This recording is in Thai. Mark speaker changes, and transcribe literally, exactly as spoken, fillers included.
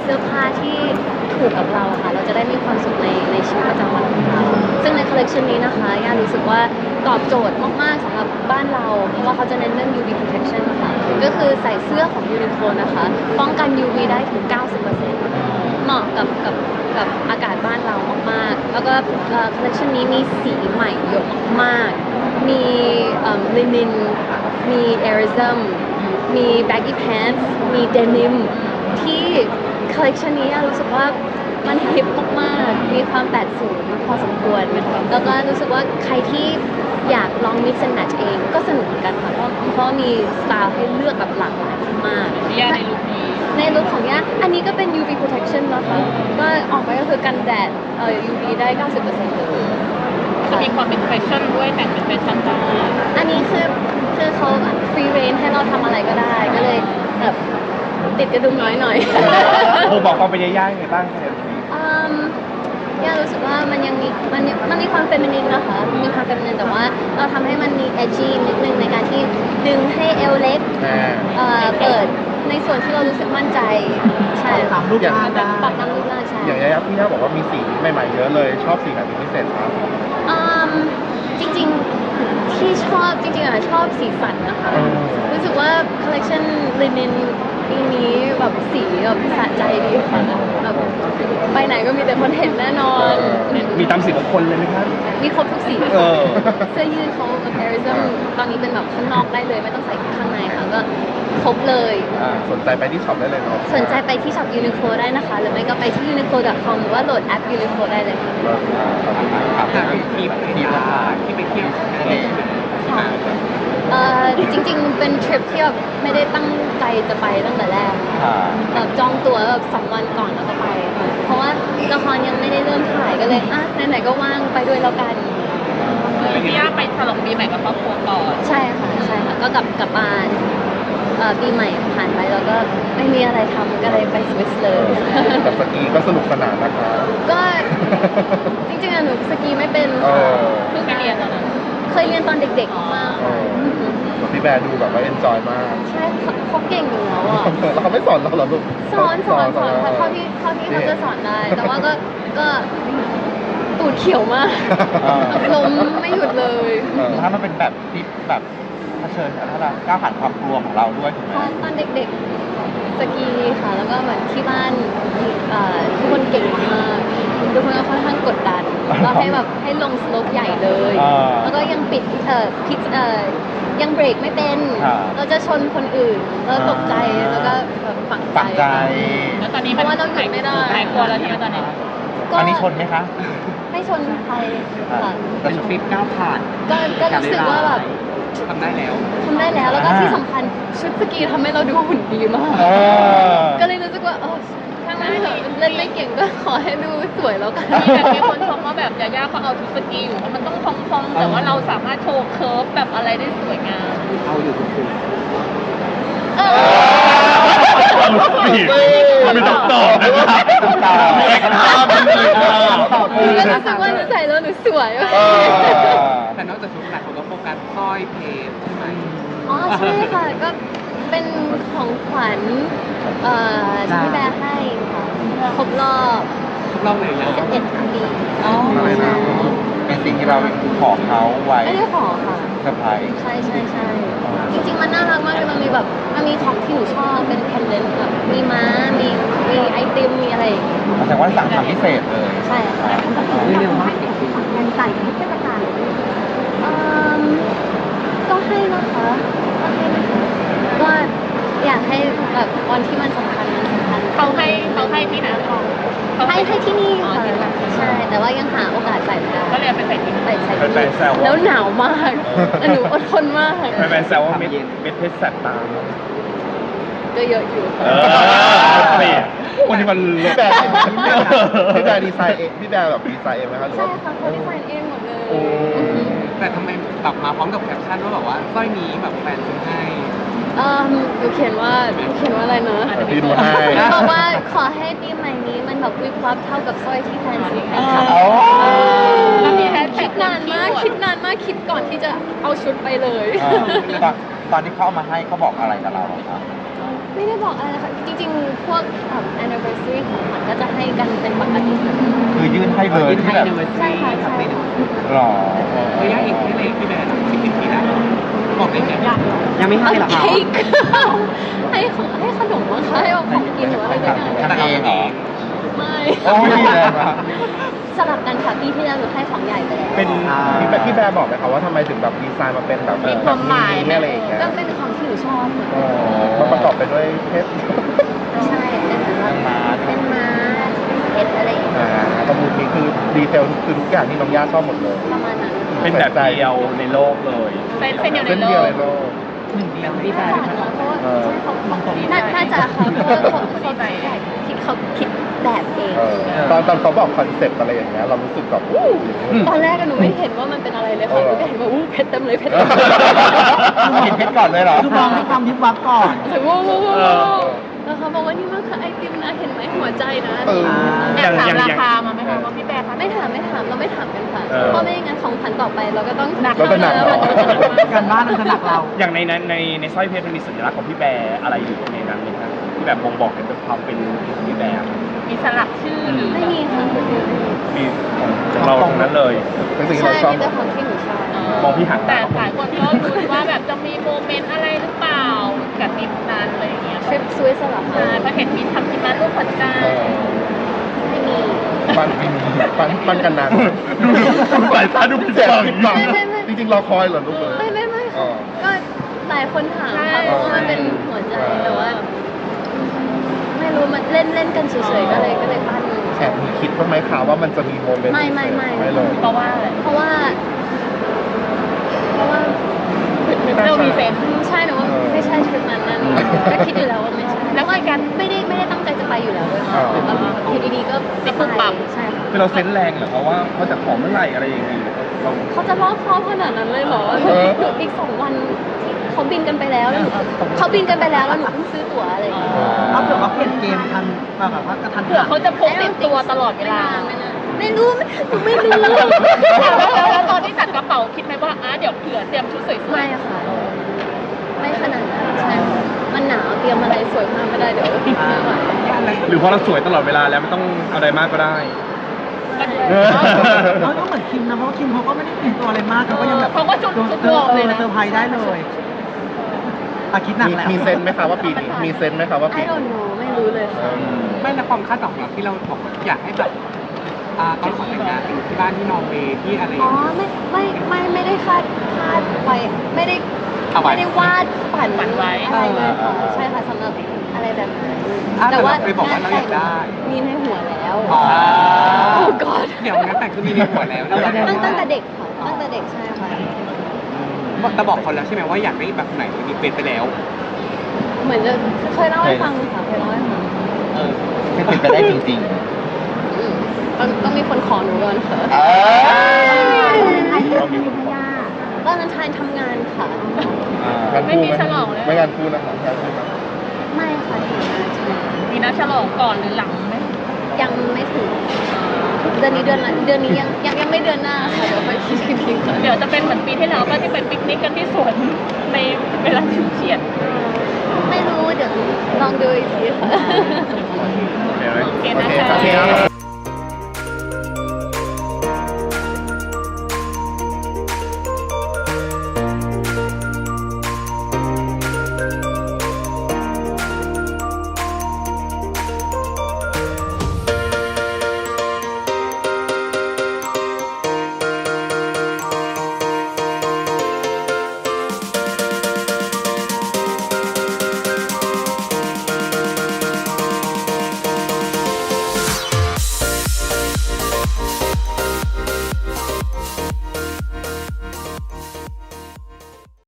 Speaker 1: เสื้อผ้าที่ถูกกับเราค่ะเราจะได้มีความสุขในในชีวิตประจำวันของเราซึ่งในคอลเลคชันนี้นะคะย่ารู้สึกว่าตอบโจทย์มากๆสำหรับบ้านเราเพราะว่าเขาจะเน้นเรื่อง ยู วี protection ค่ะก็คือใส่เสื้อของ Uniqlo นะคะป้องกัน ยู วี ได้ถึง เก้าสิบเปอร์เซ็นต์ เหมาะกับกับกับอากาศบ้านเรามากๆแล้วก็คอลเลคชันนี้มีสีใหม่เยอะมากๆมีลินินมีเอริซึมมี baggy pants มี denim ที่คอลเลคชันนี้รู้สึกว่ามันฮิปมากๆมีความแปดศูนย์พอสมควรแล้วก็รู้สึกว่าใครที่อยากลอง mix and match เองก็สนุกเหมือนกันค่ะเพราะเพราะมีสไตล์ให้เลือกแบบหลากหลายมากๆ
Speaker 2: ย่าในลุคนี้
Speaker 1: ในลุคของย่าอันนี้ก็เป็น ยู วี protection นะคะก็ออกไปก็คือกันแดดเอ่อ ยู วี ได้ เก้าสิบเปอร์เซ็นต์ เลย
Speaker 2: จะมีความเป็นแฟชั่นด้วยแต่งเป็นแฟชั่นได้
Speaker 1: อันนี้คือคือเขา free range ให้เราทำอะไรก็ได้ ก็เลยแบบติดกระดุมน้อยหน่อย
Speaker 3: โอ้บอกความเป็นย่าๆยังไงบ้างครับ
Speaker 1: อืมย่ารู้สึกว่ามันยังมีมันมันมีความเฟมินินนะคะมีความเฟมินินแต่ว่าเราทำให้มันมี edgy นิดนึงในการที่ดึงให้เอวเล็ก
Speaker 3: อ่า
Speaker 1: เอ่อเปิดในส่วนที่เรารู้สึกมั่นใจใช่
Speaker 3: ตามรูปร่างได้
Speaker 1: ปรับตามรูปร่างใช่
Speaker 3: อย่างย่าๆพี่ย่าบอกว่ามีสีใหม่ๆเยอะเลยชอบสีไหนเป็นพิเศษครับ
Speaker 1: อืมจริงๆที่ชอบจริงๆอ่ะชอบสีสันนะคะ
Speaker 3: อืม
Speaker 1: รู้สึกว่าคอลเลคชันลินินปีนี้แบบสีแบบสะใจดีค่ะแบบไปไหนก็มีแต่คนเห็นแน่นอน
Speaker 3: มีตามสีของคนเลยไหมครับ
Speaker 1: มีครบทุกสี
Speaker 3: เออ
Speaker 1: เสื้อยืดเขาแบบแอริซึมตอนนี้เป็นแบบข้างนอกได้เลยไม่ต้องใส่ข้างในค่ะก็ครบเลย
Speaker 3: อ่าสนใจไปที่ช็อปได้เลยเนาะ
Speaker 1: สนใจไปที่ช็อป Uniqlo ได้นะคะ หรือไม่ก็ไปที่ uniqlo dot com หรือว่าโหลดแอป Uniqlo ได้เลยค่ะ
Speaker 3: ครับมีแบบทีมที่ไปเที่ยวทะเล
Speaker 1: ค่ะเอ่อจริงๆ เป็นทริปที่แบบไม่ได้ตั้งใจจะไปตั้งแต่แรก
Speaker 3: ค่ะ
Speaker 1: แบบจองตั๋วแบบสองวันก่อนแล้วก็ไปค่ะเพราะว่าละครยังไม่ได้เริ่มถ่ายก็เลยอ่ะไหนๆก็ว่างไปด้วยแล้วกัน
Speaker 2: พี่ย่าไปฉลองปีใหม่กับครอบครัวก่อน
Speaker 1: ใช่ค่ะใช่ค่ะก็กลับกลับบ้านเอ่อปีใหม่ผ่านไปแล้วก็ไม่มีอะไรทำก็เลยไปสวิสเลย
Speaker 3: แต่สกีก็สนุกสนานนะคะ
Speaker 1: ก็จริงๆอะหนูสกีไม่เป็น
Speaker 3: เอ
Speaker 1: ค่ะ
Speaker 3: อ
Speaker 2: เพิ่งไปเรียนตอนนั้น
Speaker 1: เคยเรียนตอนเด็กๆมาก
Speaker 3: เอ
Speaker 1: ค่ะ
Speaker 3: อส่วนพี่แบร์ดูแบบว่าเอนจอยมาก
Speaker 1: ใช่เขาเขาเก่งอยู่แล้วอ่ะ
Speaker 3: แล้วเขาไม่สอนเราเหรอลูก
Speaker 1: สอนสอนสอนค่ะเท่าที่เท่าที่เขาจะสอนได้ แต่ว่าก็ก็ตูดเขียวมาก
Speaker 3: อ่า
Speaker 1: ล้มไม่หยุดเลย
Speaker 3: เออถ้ามันเป็นแบบที่แบบเผชิญกับถ้าก้าวผ่านความกลัวของเราด้วยถูกไหม
Speaker 1: ตอนตอนเด็กๆสกีค่ะ แล้วก็เหมือนที่บ้านเอ่อทุกคนเก่งมากทุกคนก็ค่อนข้างกดดันเราให้แบบให้ลงสโลปใหญ่เลย
Speaker 3: อ่า
Speaker 1: แล้วก็ยังปิดเอ่อพิดเอ่อยังเบรกไม่เป็น
Speaker 3: ครับ
Speaker 1: เราจะชนคนอื่นแล้วตกใจแล้วก็แบบฝัง
Speaker 3: ฝังใจ
Speaker 2: แล้วตอนนี้
Speaker 1: เพราะว่าเราหยุดไม่ได้
Speaker 2: หายกลัวแล้วใช่ไหมตอนนี้
Speaker 1: ก็
Speaker 3: อันนี้ชนไหมคะ
Speaker 1: ไม่ชนใครค่ะ
Speaker 3: เป็นทริปก้าวผ่าน
Speaker 1: ก็ก็รู้สึกว่าแบบ
Speaker 3: ทำได้แล้ว
Speaker 1: ทำได้แล้วแล้วก็
Speaker 3: อ่า
Speaker 1: ที่สำคัญชุดสกีทำให้เราดูหุ่นดีมาก
Speaker 3: เออ
Speaker 1: ก็เลยรู้สึกว่าเออถ้างั้นเถอะเล่นไม่เก่งก็ขอให้ดูสวยแล้วกัน
Speaker 2: มีแบบมีคนชมว่าแบบยาย่าเขาเอาชุดสกีอยู่ว่ามันต้องพองๆแต่ว่าเราสามารถโชว์เคิร์ฟแบบอะไรได้สวยงาม
Speaker 3: เอาอยู่ทุกคืน
Speaker 1: เออ
Speaker 3: ไม่ต้องตอบนะครับตอบไม่ต้องตอบ
Speaker 1: ก็รู้สึกว่าหนูใส่แล้วหนูสวย
Speaker 3: เออ
Speaker 4: แต่นอกจากชุดหลักคนก็โฟกัสสร้อยเพชรใช่ไหม
Speaker 1: อ๋อใช่ค่ะก็เป็นของขวัญเอ่อที่พี่แบร์ให้ค่ะครบรอบ
Speaker 4: ทุกรอบเลยนะ
Speaker 1: สิบเอ็ดปี
Speaker 4: อ๋อ
Speaker 3: อะไรนะเป็นสิ่งที่เราขอเขาไว้
Speaker 1: ไม่ได้ขอค่ะ
Speaker 3: เซอร์ไพรส์
Speaker 1: ใช่ใช่ใช่จริงๆมันน่ารักมากเลยมันมีแบบมันมีของที่หนูชอบเป็นเพนเดนต์แบบมีม้ามีมีไอติมมีอะไรอย่างเงี้ย
Speaker 3: แสดงว่าสั่งทำพิเศษเลย
Speaker 1: ใช่ค่ะ
Speaker 4: เร็วมาก
Speaker 1: ยังใส่ทุกเทศกาลก็ให้นะคะก็ให้นะคะก็อยากให้แบบวันที่มันสำคัญมันสำคัญ
Speaker 2: เขาให้เขาให้ที่ไหนเขา
Speaker 1: ให้ให้ที่นี่
Speaker 2: อ๋อ
Speaker 1: ค่ะ
Speaker 2: ที่นั่น
Speaker 1: ใช่แต่ว่ายังหาโอกาสใส่ไม่ได้
Speaker 2: ก็เลยเอาไปใส่ที่
Speaker 1: ใส่ใส่
Speaker 3: แฟนๆแซวว่า
Speaker 1: แล้วหนาวมากแต่หนูอดทนมาก
Speaker 3: แฟนๆแซวว่าเม็ดเม็ดเพชรแสบตา
Speaker 1: ก็เยอะอยู่
Speaker 3: เออเปลี่ยนวันนี้มันพี่แบร์พี่แบร์ดีไซน์เองพี่แบร์แบบดีไซน์เองไหมครับหรือ
Speaker 1: ใช่
Speaker 3: ว่า
Speaker 1: ค่ะเขาดีไซน์เองหมดเลย
Speaker 3: โอ้
Speaker 4: แต่ทำไมแบบมาพร้อมกับแคปชั่นว่าแบบว่าสร้อยนี้แบบแฟนซื้อให้
Speaker 1: เอ่อหนูเขียนว่าหนูเขียนว่าอะไรนะ
Speaker 3: เดี๋ยวพี่ดูให้
Speaker 1: บอกว่าขอให้ปีใหม่นี้มันแบบวิบวับเท่ากับสร้อยที่แฟนซื้อให้ค่ะ
Speaker 3: อ๋อ
Speaker 2: แล้วมีแฮชแท็
Speaker 1: คิ
Speaker 2: ก
Speaker 1: ดนานมากคิดนานมากคิดก่อนที่จะเอาชุดไปเลย
Speaker 3: ตอนตอนที่เขาเอามาให้เขาบอกอะไรกับเราอะครับ
Speaker 1: ไม่ได้บอกอะไรนะคะจริงๆ พวกแบบ anniversary ของขวัญก็จะให้กันเป็นปกติค่ะ
Speaker 5: คือยื่นให้เลย
Speaker 4: ยื่นให้
Speaker 5: ที่แบบ
Speaker 4: anniversary
Speaker 1: ใช่ค่ะ
Speaker 4: ครับ
Speaker 1: ใช่
Speaker 4: ใน
Speaker 1: ค่ะ
Speaker 5: หรอ
Speaker 4: ระยะอีกแค่ไหนพี่แบร์สิบปีแล้วบอกได้ไหม
Speaker 2: ยังไม่ให้หรอ
Speaker 1: เค้กให้ของให้ขนมมั้งคะให้เอาของกินหรืออะไรสักอย่าง
Speaker 5: ทำเองเหรอ
Speaker 1: ไม่
Speaker 5: โอ้ยแรงมาก
Speaker 1: สลับกันค่ะปีที่แล้วหนูให้ของใหญ่ไปแล้ว
Speaker 3: เป็น
Speaker 5: อ่า
Speaker 3: พี่แบร์พี่แบร์บอกไหมครับว่าทำไมถึงแบบดีไซน์มาเป็นแบบ
Speaker 2: มีความหมายไหม
Speaker 3: อะไรอย่างเงี้ย
Speaker 1: ก็เป็นของที่หนูชอบค่ะ
Speaker 3: อ๋อมันประกอบไปด้วยเพชร
Speaker 1: ใช่เป็นแบบว่า
Speaker 5: ม้า
Speaker 1: เป็นม้าเพชรอะไรอย่างเงี้ย
Speaker 3: อ่าประมูลนี้คือดีเทลคือทุกอย่างที่น้องย่าชอบหมดเลย
Speaker 1: ประมาณนั้น
Speaker 6: เป็นแบบเดียวในโลกเลย
Speaker 2: เส้นเส้นเดียวใน
Speaker 3: เส้น
Speaker 2: โล
Speaker 3: เดียว
Speaker 2: ก
Speaker 3: ในโลก
Speaker 4: หนึ่งเดียว
Speaker 2: ดีใจ
Speaker 1: น่าจะค่ะเพราะว่าใช่เขาเขาน่าน่าจะค่ะเพราะว่าเขาเขาคิดเขาคิดแบบเอง
Speaker 3: เออตอนตอนเขาบอกคอนเซ็ปต์อะไรอย่างเงี้ยเรารู้สึกแบบอู้
Speaker 1: ตอนแรกอะหนูไม่เห็นว่ามันเป็นอะไรเลยค่ะหนูก็เห็นว่าอู้เพชรเต็มเลยเพชรเต็มเลย
Speaker 5: เห็นเพชรก่อนเลยเหรอ
Speaker 7: คือมองให้ความวิบวับก่อน
Speaker 1: แต่ว้าวว้าวว้าวแล้วเขาบอกว่านี่มันคือไอติมนะเห็นไหมหัวใจนะ
Speaker 3: เออ
Speaker 2: แอบถามราคามาไหมคะว่าพี่แบร์คะ
Speaker 1: ไม่ถามไม่ถามเราไม่ถามกันค่ะ
Speaker 6: เออ
Speaker 1: เพราะไม่งั้นของขวัญต่อไปเราก็ต้อง
Speaker 2: หนัก
Speaker 3: เราจะหนัก
Speaker 1: แล้วมันก็จะหนักมาก
Speaker 7: การบ้านมันจะหนักเรา
Speaker 6: อย่างในนั้นในในสร้อยเพชรมันมีสัญลักษณ์ของพี่แบร์อะไรอยู่ในนั้นไหมครับที่แบบบ่งบอกถึงความเป็นพี่แบร์
Speaker 2: มีสลักชื่อหรือ
Speaker 1: ไม่มีค่ะ
Speaker 6: มีของเราตรงนั้นเลย
Speaker 3: เป็นสิ่งที่
Speaker 1: ใช่
Speaker 3: เราชอบ
Speaker 1: มีแต่ของที่หนูชอบ
Speaker 6: มองพี่หัน
Speaker 2: แต่หลายคนก็รู้ว่าแบบจะมีโมเมนต์อะไรหรือเปล่ากับทริปนั้นอะไรอย่างเงี้ย
Speaker 1: ทริปสวิสเหรอ
Speaker 2: ใช่
Speaker 1: คะ
Speaker 2: เพราะเห็นมีทำที่มารูปหัวใจ
Speaker 3: เออ
Speaker 1: ไม่มี
Speaker 3: ปันปันปันกันนาน
Speaker 6: ดูสายตาดูผิด
Speaker 3: เสีย
Speaker 6: หวัง
Speaker 3: ผิดหวังจริงๆรอคอยเหรอลูกเลย
Speaker 1: ไม่ไม่ไม่
Speaker 3: อ๋
Speaker 1: ค่ะ
Speaker 3: อ
Speaker 1: ก็หลายคนถามค่ะเพราะว่ามันเป็นหัวใจแต่ว่า ไม่รู้มันเล่นเล่นกันเฉยๆก็เลยก็เลยปั้นมัน
Speaker 3: แอบมีคิดบ้างไหมคะว่ามันจะมีโมเมนต์
Speaker 1: ไม่ไม่ไม่
Speaker 3: ไม่เลย
Speaker 2: เพราะว่าอะไร
Speaker 1: เพราะว่า เพราะว่า
Speaker 2: เรามีเซนส์
Speaker 1: ใช่หนูว่าไม่ใช่ทริปนั้นนั่นก็คิดอยู่แล้วว่าไม่ใช่
Speaker 2: แล้วคุยกัน
Speaker 1: ไม่ได้ไม่ได้ตั้งใจจะไปอยู่แล้วด้วยค่ะแบบอยู่ดีๆก็
Speaker 2: ติดปุ๊บปั๊บ
Speaker 1: ใช่ค่ะ
Speaker 6: คือเราเซนส์แรงเหรอเพราะว่าเขาจะขอเมื่อไหร่อะไรอย่างเงี้ยเรา
Speaker 1: เขาจะรอบคอบขนาดนั้นเลยเหรอหนูอีกสองวันที่เขาบินกันไปแล้วแล้วหนูเขาบินกันไปแล้วแล้วหนูเพิ่งซื้อตั๋วอะไรอย่างเงี้ย
Speaker 7: เอาเผื่อว่าเปลี่ยนเกมทันแบบว่ากระทัน
Speaker 2: เผื่อ
Speaker 7: หัน
Speaker 2: เขาจะพกติดตัวตลอดเวลา
Speaker 1: ไม่นานไม่รู้หนูไม่รู้
Speaker 2: แล้วตอนที่จัดกระเป๋าคิดไหมว่าอ่ะเดี๋ยวเผื่อเตรียมชุดสวย
Speaker 1: ไม่อะค่ะ ไม่ขนาดนั้นใช่ค่ะมันหนาวเตรียมอะไรสวยมากไม่ได้เดี๋ยวไม่ไหว
Speaker 6: หรือเพราะเราสวยตลอดเวลาแล้วไม่ต้องเอาอะไรมากก็ได้
Speaker 7: เขาก็เหมือนคิมนะเพราะว่าคิมเขาก็ไม่ได้เปลี่ยนตัวอะไรมากเขาก็ยังแบบ
Speaker 2: เขาก็ชุดชุด
Speaker 7: เอ
Speaker 2: ว
Speaker 7: อ
Speaker 2: อร์ม
Speaker 7: เอ
Speaker 2: เลย
Speaker 7: อ
Speaker 2: นะ
Speaker 7: เซอร์ไพรส์ได้เลยอาคิดหนัก
Speaker 3: มี
Speaker 7: แล้ว
Speaker 3: มีเซนส์ไหมคะว่าปีนี้มีเซนส์ไหมคะว่าปี
Speaker 1: ไอ้
Speaker 3: นี้
Speaker 1: โดนโนไม่รู้เลยค่ะ
Speaker 4: ไม่และความคาดหวังของเราที่เราบอกว่าอยากให้แบบอ่าตอนขอแต่งงานอยู่ที่บ้านที่นอร์เวย์ที่อะไรอ
Speaker 1: อ๋อย่าง
Speaker 4: เงี้ย
Speaker 1: ไม่ไม่ไม่ไม่ได้คาดคาดไว้ไม่ได้
Speaker 4: เอาไว้
Speaker 1: ไม่ได้วาดฝัน
Speaker 2: ฝันไว้
Speaker 1: อะไรเลยค่ะ
Speaker 3: อ่า
Speaker 1: ใช่ค่ะสำหรับอะไรแบบนั้น
Speaker 4: อ่ะแต่เราเคยบอกว่าเราอยากได้
Speaker 1: มีในหัวแล้ว
Speaker 4: อ๋อ
Speaker 1: โอ้กอด
Speaker 4: เดี๋ยวงั้นแต่งคือมีในหัวแล้วแล้ว
Speaker 1: ตั้งตั้งแต่เด็กค่ะตั้งแต่เด็กใช่ค่ะ
Speaker 4: แต่บอกเขาแล้วใช่ไหมว่าอยากได้แบบไหนมีเป็นไปแล้ว
Speaker 1: เหมือนจะเคยเล่าให้ฟังค่ะเคยเล่าให้ฟัง
Speaker 4: เออ
Speaker 5: เป็นเป็นไปได้จริง
Speaker 1: อืมต้องต้องมีคนขอหนูก่อนค่ะ
Speaker 5: ๆเออ
Speaker 1: ตอนนั้นทายทำงานค่ะ
Speaker 3: งาน
Speaker 2: ไม่
Speaker 3: คู่
Speaker 2: มีฉลองเลย
Speaker 3: ไม่งานคู่นะคะงานคู่นะ
Speaker 1: ไม่ค่ะทำงานใช่
Speaker 2: มีนัดฉลองก่อนหรือหลังไหม
Speaker 1: ยังไม่ถึงเดือนนี้เดือนละเดือนนี้ยังยังยังไม่เดือนหน้าค่ะเดี๋ยวไปคิดอีกทีค่ะ
Speaker 2: เดี๋ยวจะเป็นเหมือนปีที่แล้วก็ที่ไปปิกนิกกันที่สวนในเวลาชิวเฉียด
Speaker 1: ไม่รู้เดี๋ยวลองดูอีกทีค่ะ
Speaker 6: เห็นไหม
Speaker 2: โอเค
Speaker 3: โอ
Speaker 2: นะ
Speaker 3: เค
Speaker 2: คะ
Speaker 3: ครับ